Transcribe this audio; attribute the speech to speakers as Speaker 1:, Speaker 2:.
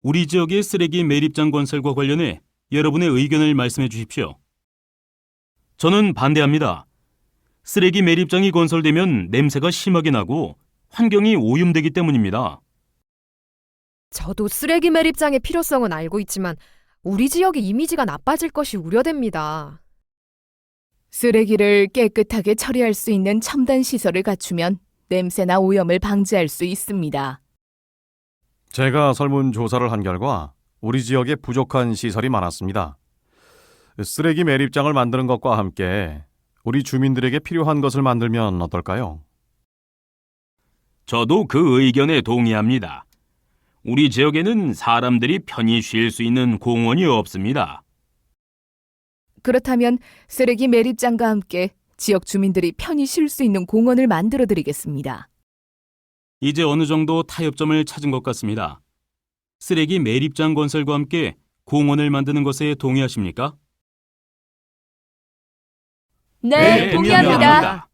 Speaker 1: 우리 지역의 쓰레기 매립장 건설과 관련해 여러분의 의견을 말씀해 주십시오. 저는 반대합니다. 쓰레기 매립장이 건설되면 냄새가 심하게 나고 환경이 오염되기 때문입니다.
Speaker 2: 저도 쓰레기 매립장의 필요성은 알고 있지만 우리 지역의 이미지가 나빠질 것이 우려됩니다.
Speaker 3: 쓰레기를 깨끗하게 처리할 수 있는 첨단 시설을 갖추면 냄새나 오염을 방지할 수 있습니다.
Speaker 4: 제가 설문조사를 한 결과 우리 지역에 부족한 시설이 많았습니다. 쓰레기 매립장을 만드는 것과 함께 우리 주민들에게 필요한 것을 만들면 어떨까요?
Speaker 1: 저도 그 의견에 동의합니다. 우리 지역에는 사람들이 편히 쉴 수 있는 공원이 없습니다.
Speaker 3: 그렇다면 쓰레기 매립장과 함께 지역 주민들이 편히 쉴 수 있는 공원을 만들어 드리겠습니다.
Speaker 1: 이제 어느 정도 타협점을 찾은 것 같습니다. 쓰레기 매립장 건설과 함께 공원을 만드는 것에 동의하십니까?
Speaker 3: 네, 동의합니다.